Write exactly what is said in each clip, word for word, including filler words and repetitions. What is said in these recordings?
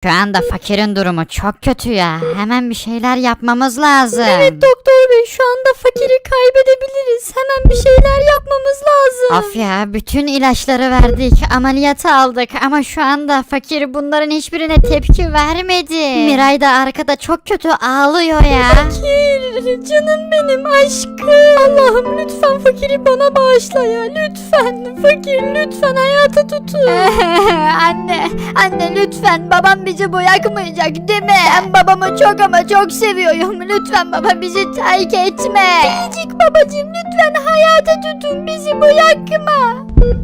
Şu anda fakirin durumu çok kötü ya. Hemen bir şeyler yapmamız lazım. Evet doktor bey, şu anda fakiri kaybedebiliriz. Hemen bir şeyler yapmamız lazım. Of ya, bütün ilaçları verdik, ameliyata aldık ama şu anda fakir bunların hiçbirine tepki vermedi. Miray da arkada çok kötü ağlıyor ya. Fakir, canım benim aşkım. Allah'ım lütfen fakiri bana bağışla ya. Lütfen fakir, lütfen hayata tutun. Anne, anne lütfen, babam bizi bırakmayacak değil mi? Ben babamı çok ama çok seviyorum. Lütfen baba bizi terk etme. Biricik babacığım, lütfen hayata tutun, bizi bırakma.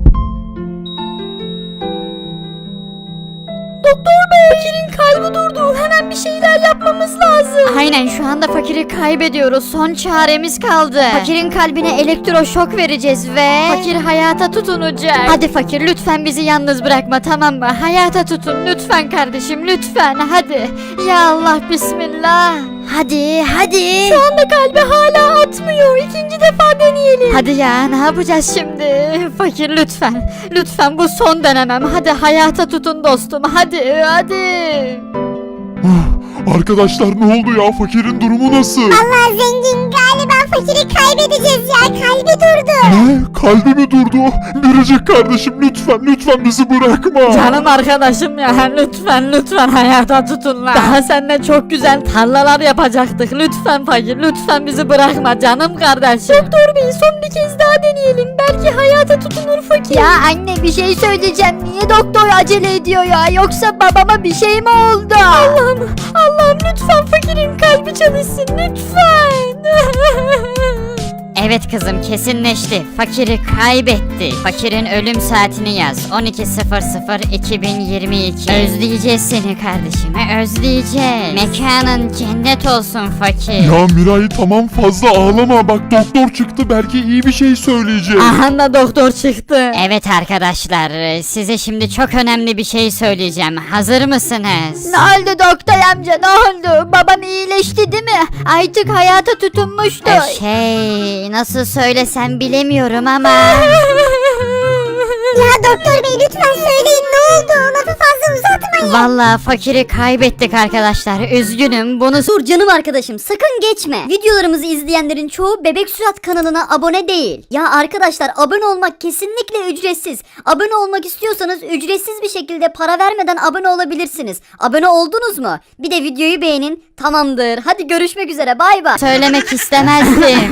Doktor bey, fakirin kalbi durdu. Hemen bir şeyler yapmamız lazım. Aynen, şu anda fakiri kaybediyoruz. Son çaremiz kaldı. Fakirin kalbine elektroşok vereceğiz ve fakir hayata tutunacak. Hadi fakir, lütfen bizi yalnız bırakma, tamam mı? Hayata tutun lütfen kardeşim, lütfen hadi. Ya Allah, bismillah. Hadi hadi. Şu anda kalbi hala atmıyor. İkinci defa deneyelim. Hadi ya, ne yapacağız şimdi? Fakir lütfen. Lütfen bu son denemem. Hadi hayata tutun dostum. Hadi hadi. Ah, Arkadaşlar ne oldu ya? Fakirin durumu nasıl? Allah zengin, galiba fakiri kaybedeceğiz ya, kalbi durdu. Ne? Kalbi mi durdu? Biricik kardeşim lütfen lütfen bizi bırakma. Canım arkadaşım ya, lütfen lütfen hayata tutun lan. Daha seninle çok güzel tarlalar yapacaktık. Lütfen fakir, lütfen bizi bırakma canım kardeşim. Doktor bey, son bir kez daha deneyelim. Belki hayata tutunur fakir. Ya anne, bir şey söyleyeceğim. Niye doktor acele ediyor ya? Yoksa babama bir şey mi oldu? Allah'ım, Allah'ım lütfen fakirin kalbi çalışsın lütfen. Evet kızım, kesinleşti. Fakiri kaybetti. Fakirin ölüm saatini yaz. on iki sıfır sıfır iki bin yirmi iki. Özleyeceğiz seni kardeşim. Özleyeceğiz. Mekanın cennet olsun fakir. Ya Miray tamam, fazla ağlama, bak doktor çıktı, belki iyi bir şey söyleyecek. Aha da doktor çıktı. Evet arkadaşlar, size şimdi çok önemli bir şey söyleyeceğim. Hazır mısınız? Ne oldu doktor amca, ne oldu? Babam iyileşti değil mi? Artık hayata tutunmuştu. Ee, şey, nasıl söylesem bilemiyorum ama... Ya doktor bey, lütfen söyleyin, ne oldu? Lafı fazla uzatmayın. Vallahi fakiri kaybettik arkadaşlar. Üzgünüm, bunu... Dur canım arkadaşım, sakın geçme. Videolarımızı izleyenlerin çoğu Bebek Sürat kanalına abone değil. Ya arkadaşlar, abone olmak kesinlikle ücretsiz. Abone olmak istiyorsanız ücretsiz bir şekilde para vermeden abone olabilirsiniz. Abone oldunuz mu? Bir de videoyu beğenin. Tamamdır. Hadi görüşmek üzere. Bay bay. Söylemek istemezdim.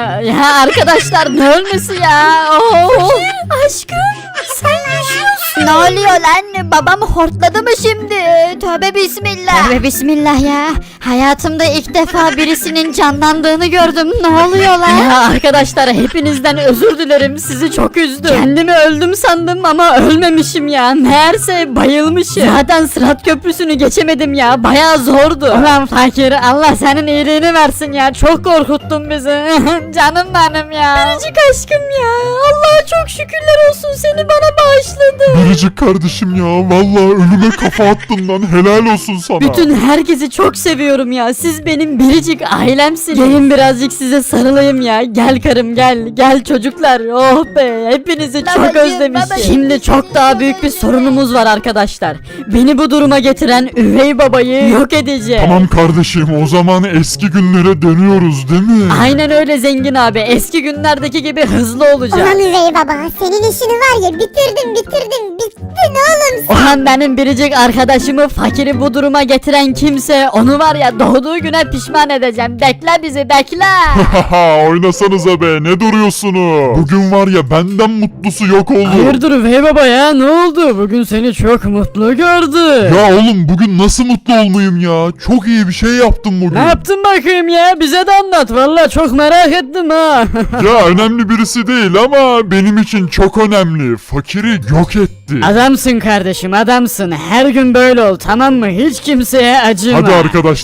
Ya arkadaşlar, ne ölmesi ya? Oh. Aşkım, sen yaşıyorsun. Ne oluyor lan? Babam hortladı mı şimdi? Tövbe bismillah. Tövbe bismillah ya. Hayatımda ilk defa birisinin canlandığını gördüm. Ne oluyor lan? Ya arkadaşlar, hepinizden özür dilerim. Sizi çok üzdüm. Kendimi öldüm sandım ama ölmemişim ya. Meğerse bayılmışım. Zaten Sırat Köprüsü'nü geçemedim ya. Bayağı zordu. Ulan fakir, Allah senin iyiliğini versin ya. Çok korkuttun bizi. Canım benim ya. Biricik aşkım ya. Allah'a çok şükürler olsun, seni bana bağışladı. Biricik kardeşim ya, vallahi ölüme kafa attın lan, helal olsun sana. Bütün herkesi çok seviyorum ya. Siz benim biricik ailemsiniz. Gelin birazcık size sarılayım ya. Gel karım, gel. Gel çocuklar. Oh be. Hepinizi çok Babacığım, özlemişim. babacığım, Şimdi çok daha büyük bir sorunumuz var arkadaşlar. Beni bu duruma getiren üvey babayı yok edeceğim. Tamam kardeşim, o zaman eski günlere dönüyoruz değil mi? Aynen öyle zengin abi. Eski günlerdeki gibi hızlı olacağım. Ulan üvey baba, senin işini var ya, bitirdim bitirdim, bittin oğlum. Ulan benim biricik arkadaşımı, fakiri bu duruma getiren kimse, onu var ya doğduğu güne pişman edeceğim. Bekle bizi, bekle. Haha, oynasanıza be, ne duruyorsunuz? Bugün var ya, benden mutlusu yok oldu. Hayırdır üvey baba ya, ne oldu? Bugün seni çok mutlu gördüm. Ya oğlum, bugün nasıl mutlu olmayayım ya? Çok iyi bir şey yaptım bugün. Ne yaptın bakayım ya? Bize de anlat. Vallahi çok merak ettim ha. Ya önemli birisi değil ama benim için çok önemli. Fakiri yok etti. Adamsın kardeşim, adamsın. Her gün böyle ol, tamam mı? Hiç kimseye acıma. Hadi arkadaşlar,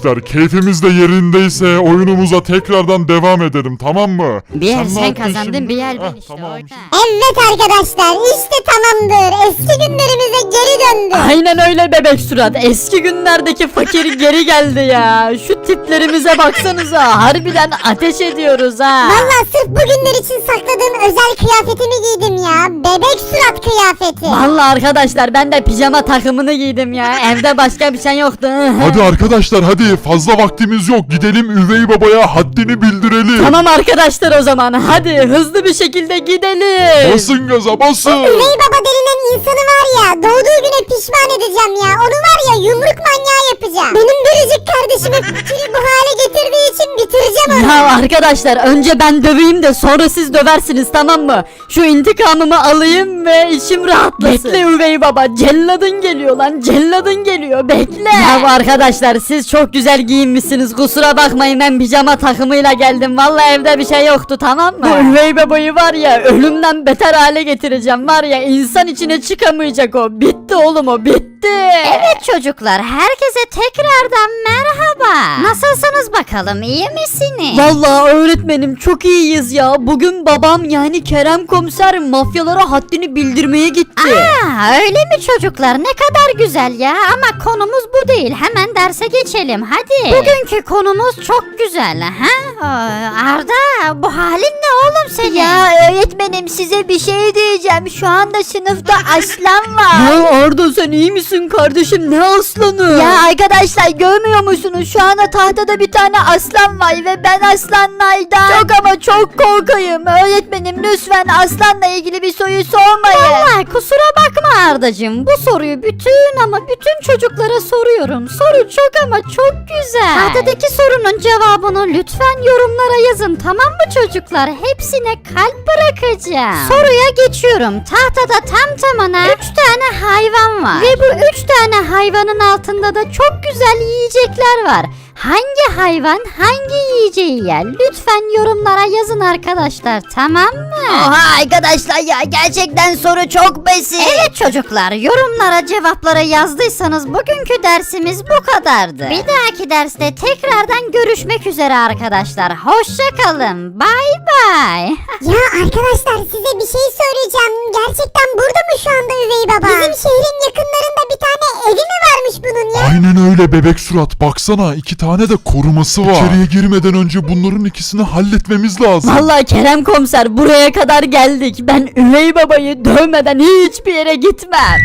Arkadaşlar keyfimiz de yerindeyse oyunumuza tekrardan devam edelim, tamam mı? Bir yer ne sen yaptın kazandın, şimdi? bir yer Heh, ben işte. tamam. orada. Evet arkadaşlar işte tamamdır. Eski günlerimize geri döndük. Aynen öyle bebek surat. Eski günlerdeki fakir geri geldi ya. Şu tiplerimize baksanıza. Harbiden ateş ediyoruz ha. Valla sırf bugünler için sakladığım özel kıyafetimi giydim ya. Bebek surat kıyafeti. Vallahi arkadaşlar ben de pijama takımını giydim ya. Evde başka bir şey yoktu. Hadi arkadaşlar hadi, fazla vaktimiz yok, gidelim üvey babaya haddini bildirelim. Tamam arkadaşlar o zaman. Hadi hızlı bir şekilde gidelim. Basın gaza basın. Üvey baba denilen insanı var ya doğduğu güne pişman edeceğim ya. Onu var ya yumruk manyağı yapacağım. Benim biricik kardeşimi fikri bu hale getirdiği için bitireceğim onu. Ya arkadaşlar önce ben döveyim de sonra siz döversiniz, tamam mı? Şu intikamımı alayım ve içim rahatlasın. Bekle üvey baba, celladın geliyor lan, celladın geliyor, bekle. Ya arkadaşlar siz çok güzel giyinmişsiniz, kusura bakmayın, ben pijama takımıyla geldim. Vallahi evde bir şey yoktu, tamam mı? Bu üvey babayı var ya ölümden beter hale getireceğim, var ya insan içine çıkamayacak o. Bitti oğlum, o bitti. Evet çocuklar, herkese tekrardan merhaba. Nasılsınız bakalım, iyi misiniz? Vallahi öğretmenim çok iyiyiz ya. Bugün babam yani Kerem komiser mafyalara haddini bildirmeye gitti. Aa, öyle mi çocuklar? Ne kadar güzel ya. Ama konumuz bu değil. Hemen derse geçelim. Hadi. Bugünkü konumuz çok güzel. Ha? Aa, Arda, bu halin ne oğlum senin? Ya öğretmenim size bir şey diyeceğim. Şu anda sınıfta aslan var. Ya Arda sen iyi misin kardeşim, ne aslanı? Ya arkadaşlar görmüyor musunuz? Şu anda tahtada bir tane aslan var ve ben aslanlardan çok ama çok korkayım. Öğretmenim lütfen aslanla ilgili bir soru sormayın. Vallahi kusura bakma Ardacığım. Bu soruyu bütün ama bütün çocuklara soruyorum. Soru çok ama çok güzel. Tahtadaki sorunun cevabını lütfen yorumlara yazın, tamam mı çocuklar? Hepsine kalp bırakacağım. Soruya geçiyorum. Tahtada tam tamına üç tane hayvan var. Ve bu üç tane hayvanın altında da çok güzel yiyecekler var. Hangi hayvan hangi yiyeceği yer? Lütfen yorumlara yazın arkadaşlar, tamam mı? Oha arkadaşlar ya gerçekten soru çok basit. Evet çocuklar, yorumlara cevapları yazdıysanız bugünkü dersimiz bu kadardı. Bir dahaki derste tekrardan görüşmek üzere arkadaşlar. Hoşça kalın. Bay bay. Ya arkadaşlar size bir şey söyleyeceğim. Gerçekten burada mı şu anda üvey baba? Bizim şehrin yakınlarında bir tane evi mi varmış bunun ya? Aynen öyle bebek surat, baksana iki tane de koruması var. İçeriye girmeden önce bunların ikisini halletmemiz lazım. Vallahi Kerem komiser buraya kadar geldik. Ben üvey babayı dövmeden hiçbir yere gitmem.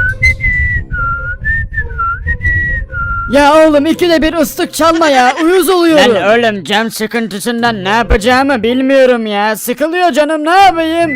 Ya oğlum ikide bir ıslık çalma ya, uyuz oluyorum. Ben oğlum can sıkıntısından ne yapacağımı bilmiyorum ya. Sıkılıyor canım, ne yapayım?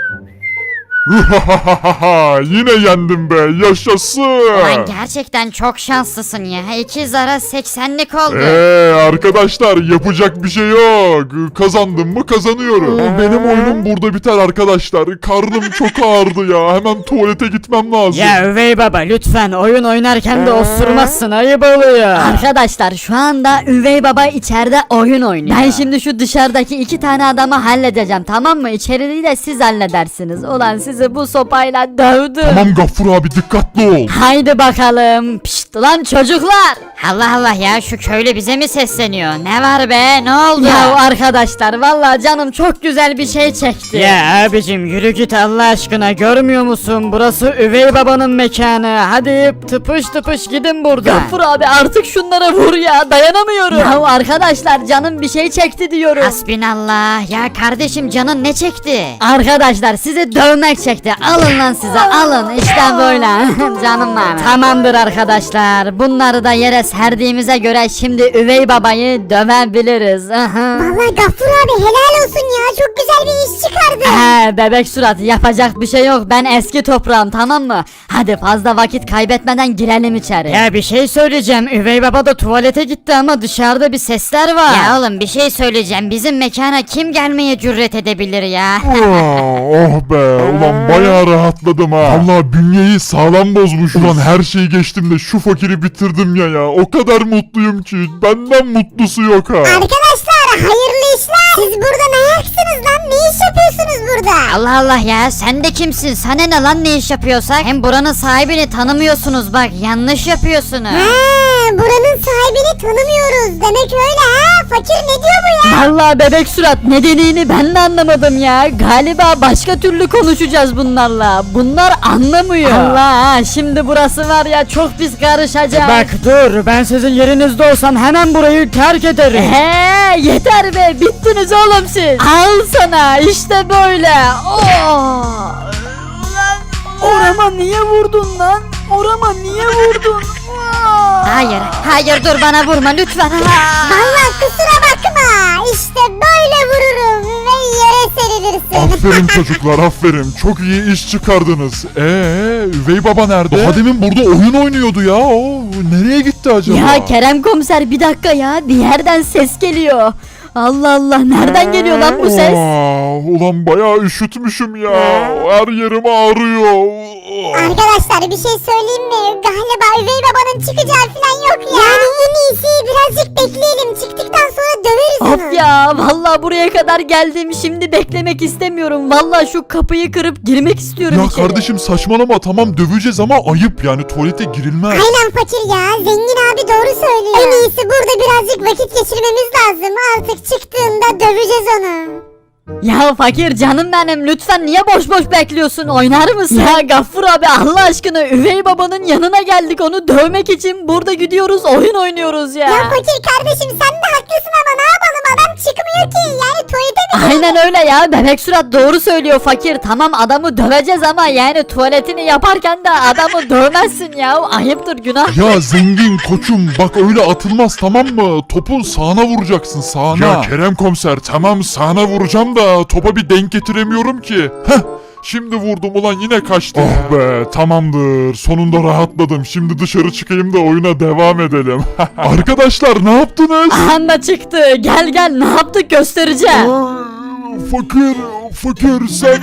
Yine yendim be, yaşasın. Ulan gerçekten çok şanslısın ya. İki zara seksenlik oldu. Eee arkadaşlar yapacak bir şey yok. Kazandım mı kazanıyorum. Benim oyunum burada biter arkadaşlar. Karnım çok ağrıdı ya. Hemen tuvalete gitmem lazım. Ya üvey baba lütfen oyun oynarken de osurmazsın, ayıp oluyor. Arkadaşlar şu anda üvey baba içeride oyun oynuyor. Ben şimdi şu dışarıdaki iki tane adamı halledeceğim, tamam mı? İçeriği de siz halledersiniz. Ulan sizi bu sopayla dövdüm. Tamam Gaffur abi, dikkatli ol. Haydi bakalım. Pişt lan çocuklar. Allah Allah ya, şu köylü bize mi sesleniyor? Ne var be, ne oldu? Ya arkadaşlar vallahi canım çok güzel bir şey çekti. Ya abicim yürü git Allah aşkına, görmüyor musun? Burası üvey babanın mekanı. Hadi tıpış tıpış gidin buradan. Gafur abi artık şunlara vur ya, dayanamıyorum. Ya arkadaşlar canım bir şey çekti diyorum. Hasbinallah. Ya kardeşim canın ne çekti? Arkadaşlar sizi dövmek çekti. Alın lan size, alın işte böyle. Canım benim. Tamamdır arkadaşlar. Bunları da yere serdiğimize göre şimdi üvey babayı dövebiliriz. Vallahi Gaffur abi helal olsun ya. Çok güzel bir iş çıkardı. He bebek surat, yapacak bir şey yok. Ben eski toprağım, tamam mı? Hadi fazla vakit kaybetmeden girelim içeri. Ya bir şey söyleyeceğim, üvey baba da tuvalete gitti ama dışarıda bir sesler var. Ya oğlum bir şey söyleyeceğim. Bizim mekana kim gelmeye cüret edebilir ya? Aa, oh be, ulan bayağı rahatladım ha. Vallahi bünyeyi sağlam bozmuş. Ulan her şeyi geçtim de şu fakiri bitirdim ya ya. O kadar mutluyum ki benden mutlusu yok ha. Arkadaşlar hayırlı işler. Siz burada ne ayaksınız lan? Ne iş yapıyorsunuz burada? Allah Allah ya sen de kimsin? Sana ne lan ne iş yapıyorsak? Hem buranın sahibini tanımıyorsunuz bak yanlış yapıyorsunuz. Ha, buranın sahibini tanımıyoruz. Demek öyle ha? Fakir ne diyor bu ya? Vallahi bebek surat ne dediğini ben de anlamadım ya. Galiba başka türlü konuşacağız bunlarla. Bunlar anlamıyor. Allah şimdi burası var ya çok pis karışacak. Bak dur, ben sizin yerinizde olsam hemen burayı terk ederim. He yeter be bittiniz oğlum siz. Al sana işte böyle. Oh. Orama niye vurdun lan? Orama niye vurdun? Hayır hayır dur bana vurma lütfen. Ha. Vallahi kusura bakma. İşte böyle vururum ve yere serilirsin. Aferin çocuklar aferin. Çok iyi iş çıkardınız. Eee üvey baba nerede? Daha demin burada oyun oynuyordu ya. O nereye gitti acaba? Ya Kerem komiser bir dakika ya bir yerden ses geliyor. Allah Allah nereden geliyor lan bu ses? Aa, ulan bayağı üşütmüşüm ya. Her yerim ağrıyor. Arkadaşlar bir şey söyleyeyim mi? Galiba üvey babanın çıkacağı falan yok ya. Yani en iyisi birazcık bekleyelim. Çıktıktan sonra döveriz onu. Of ya vallahi buraya kadar geldim şimdi beklemek istemiyorum. Vallahi şu kapıyı kırıp girmek istiyorum Ya içeri. kardeşim saçmalama tamam döveceğiz ama ayıp yani tuvalete girilmez. Aynen fakir ya. Zengin abi doğru söylüyor. En iyisi burada birazcık vakit geçirmemiz lazım. Artık çıktığında döveceğiz onu. Ya fakir canım benim lütfen niye boş boş bekliyorsun oynar mısın? Ya Gaffur abi Allah aşkına üvey babanın yanına geldik onu dövmek için burada gidiyoruz oyun oynuyoruz ya. Ya fakir kardeşim sen de haklısın ama ne yapalım adam çıkmıyor ki. Yani tuvalete mi? Aynen öyle ya bebek surat doğru söylüyor fakir tamam adamı döveceğiz ama yani tuvaletini yaparken de adamı dövmezsin ya ayıptır günah. Ya zengin koçum bak öyle atılmaz tamam mı? Topun sağına vuracaksın sağına. Ya Kerem komiser tamam sağına vuracağım da topa bir denk getiremiyorum ki. Heh. Şimdi vurdum ulan yine kaçtı. Oh be tamamdır sonunda rahatladım. Şimdi dışarı çıkayım da oyuna devam edelim. Arkadaşlar ne yaptınız? Anda çıktı gel gel ne yaptık göstereceğim. Aa, fakir fakir sen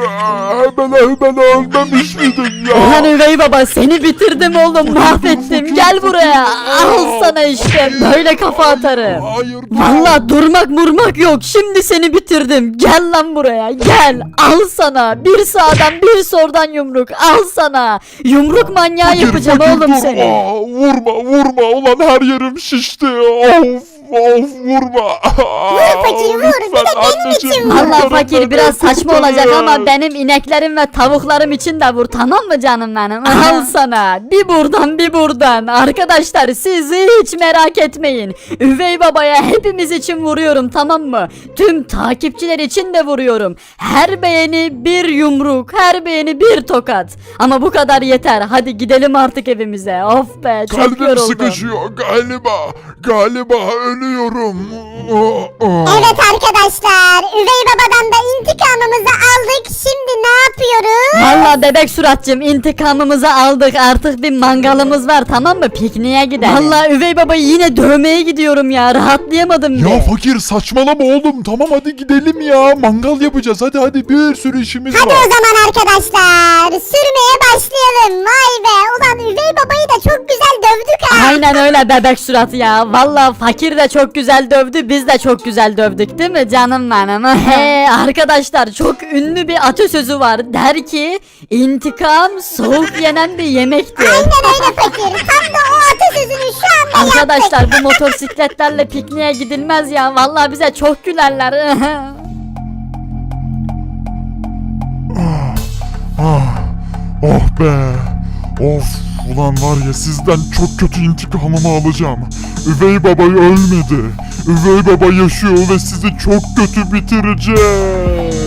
hemen hemen ölmemiş miydin ya? Ulan üvey baba seni bitirdim oğlum mahvettim gel buraya al sana işte böyle kafa atarım. Hayır. Valla durmak murmak yok şimdi seni bitirdim gel lan buraya gel al sana bir sağdan bir soldan yumruk al sana yumruk manyağı Fakir, yapacağım fakir, oğlum durma. seni. Vurma vurma ulan her yerim şişti. Of of vurma. Vur fakir, vur. Bir de Lütfen benim anneciğim, için vur. kurtarın Valla fakir beni, biraz saçma kurtarın. olacak ama benim ineklerim ve tavuklarım için de vur tamam mı canım benim? Al sana bir buradan bir buradan. Arkadaşlar siz hiç merak etmeyin. Üvey babaya hepimiz için vuruyorum tamam mı? Tüm takipçiler için de vuruyorum. Her beğeni bir yumruk, her beğeni bir tokat. Ama bu kadar yeter. Hadi gidelim artık evimize. Of be çok Kalbim yoruldum. sıkışıyor galiba. Galiba ölüyorum. Oh, oh. Evet arkadaşlar üvey babadan da intikamımızı aldık. Şimdi ne yapıyoruz? Valla bebek suratcığım intikamımızı aldık artık bir mangalımız var tamam mı pikniğe gidelim. Valla üvey babayı yine dövmeye gidiyorum ya rahatlayamadım Ya bile. fakir saçmalama oğlum. Tamam hadi gidelim ya. Mangal yapacağız. Hadi hadi bir sürü işimiz Hadi var. o zaman arkadaşlar sürmeye başlayalım. Vay be ulan üvey babayı da çok güzel dövdük ha. Aynen öyle bebek surat ya. Valla fakir de çok güzel dövdü biz de çok güzel dövdük değil mi canım benim? He arkadaşlar çok ünlü bir atasözü var der ki intikam soğuk yenen bir yemektir. Aynen öyle fakir. Tam da o atasözünü şu anda Arkadaşlar yaptık. bu motosikletlerle pikniğe gidilmez ya. Vallahi bize çok gülerler. Ah, oh be. Of ulan var ya sizden çok kötü intikamımı alacağım. Üvey babayı ölmedi. Üvey baba yaşıyor ve sizi çok kötü bitirecek.